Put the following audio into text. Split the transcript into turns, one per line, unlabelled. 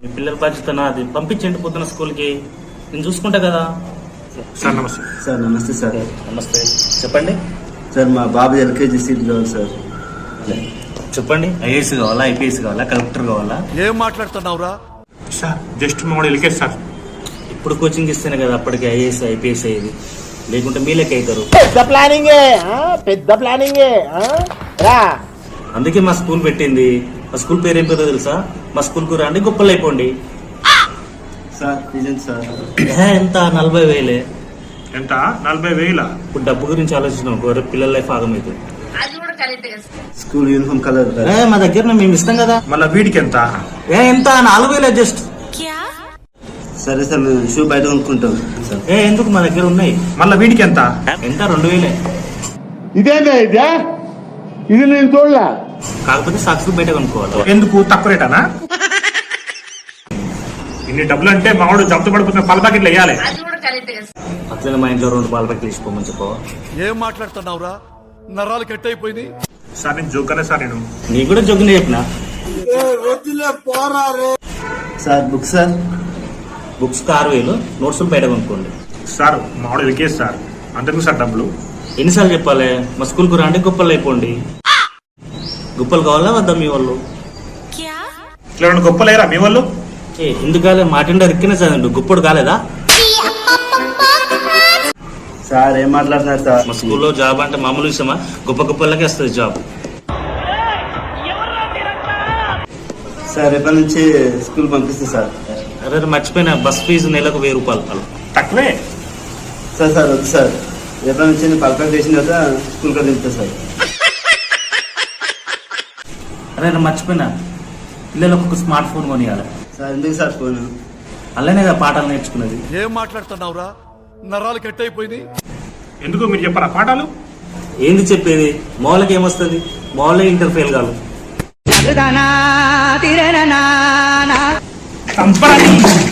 మీ పిల్లల బాధ్యత నాది. పంపించండి పొద్దున స్కూల్కి, నేను చూసుకుంటా కదా.
సార్ నమస్తే.
సార్ నమస్తే సార్.
నమస్తే, చెప్పండి
సార్ మా బాబు ఎల్కేజీ సీట్ కావాలి సార్.
చెప్పండి. ఐఏఎస్ కావాలా, ఐపీఎస్ కావాలా, కలెక్టర్ కావాలా?
ఏం మాట్లాడుతున్నావురా?
సార్ జస్ట్ మా ఎల్కేజ్ సార్.
ఇప్పుడు కోచింగ్ ఇస్తేనే కదా అప్పటికి ఐఏఎస్ ఐపీఎస్ అయ్యేది, లేకుంటే మీ లెక్క అవుతారు.
పెద్ద ప్లానింగే రా.
అందుకే మా స్కూల్ పెట్టింది. మా స్కూల్ పేరు ఏం పేరో తెలుసా? మా స్కూల్కు రండి, గొప్పలు అయిపోండి.
సార్ నిజం సార్.
ఎంత 40,000?
ఎంత 40,000?
ఇప్పుడు డబ్బు గురించి ఆలోచించినాం, రేపు పిల్లల లైఫ్ ఆగమవుతుంది.
స్కూల్ యూనిఫామ్ కలర్
మా దగ్గర మేము ఇస్తాం కదా.
మళ్ళీ వీడికి ఎంత?
ఎంత 4,000 జస్ట్.
సరే సార్ మేము షూ బయట కొనుక్కుంటాం.
ఎందుకు, మా దగ్గర ఉన్నాయి.
మళ్ళీ వీడికి ఎంత?
ఎంత 2,000.
ఇదేందా ఇదే? ఇది నేను చూడలే.
కాకపోతే సాక్స్ బయట కొనుక్కోవాలి.
ఎందుకు, తక్కువ రేటానా? ఇన్ని డబ్బులు అంటే మావాడు జబ్దు పడిపోతున్న పాల ప్యాకెట్లు వేయాలి.
అట్లనే మా ఇంట్లో 2 పాల ప్యాకెట్లు తీసుకోమని చెప్పవా?
ఏం మాట్లాడుతున్నావురా? నరాలు కట్ అయిపోయింది.
సార్ నేను జోకనే సార్. నేను
నీ కూడా జోకునే చెప్పిన.
Sir book sir.
Books 6,000, notes బయట కొనుక్కోండి.
సార్ మావాడు ఎల్కేజ్ సార్, అంతకు సార్ డబ్బులు.
ఎన్నిసార్లు చెప్పాలి? మా స్కూల్కు రండి, గొప్పలు అయిపోండి. గొప్పలు కావాలా వద్దా మీ వాళ్ళు?
ఇట్లా గొప్ప లేరా మీ వాళ్ళు?
ఎందుకు కాలే? మాటిండా రిక్కిన చదండి, గొప్పడు కాలేదా?
సార్ ఏం మాట్లాడుతున్నారు సార్?
మా స్కూల్లో జాబ్ అంటే మామూలు విషయమా? గొప్ప గొప్పలకే వస్తుంది జాబ్.
సార్ రేపటి నుంచి స్కూల్ పంపిస్తా సార్.
అరే మర్చిపోయినా, బస్ ఫీజు నెలకు 1,000 రూపాయలు.
తక్కువే
సార్. సార్ వద్దు సార్, రేపటి నుంచి నేను పర్ఫెక్ట్ చేసిన తర్వాత స్కూల్ కదా వెళ్తా సార్.
అరే మర్చిపోయినా, పిల్లలకు ఒక స్మార్ట్ ఫోన్ కొనియాలి.
సార్ ఎందుకు సార్ ఫోన్?
అలానే కదా పాఠాలు నేర్చుకున్నది.
ఏం మాట్లాడుతున్నావురా? నరాలు కట్ అయిపోయింది.
ఎందుకు మీరు చెప్పారా పాఠాలు?
ఏంది చెప్పేది? మామూలుకి ఏమొస్తుంది? మామూలుగా ఇంటర్ ఫెయిల్ కాదు.
చంపరాని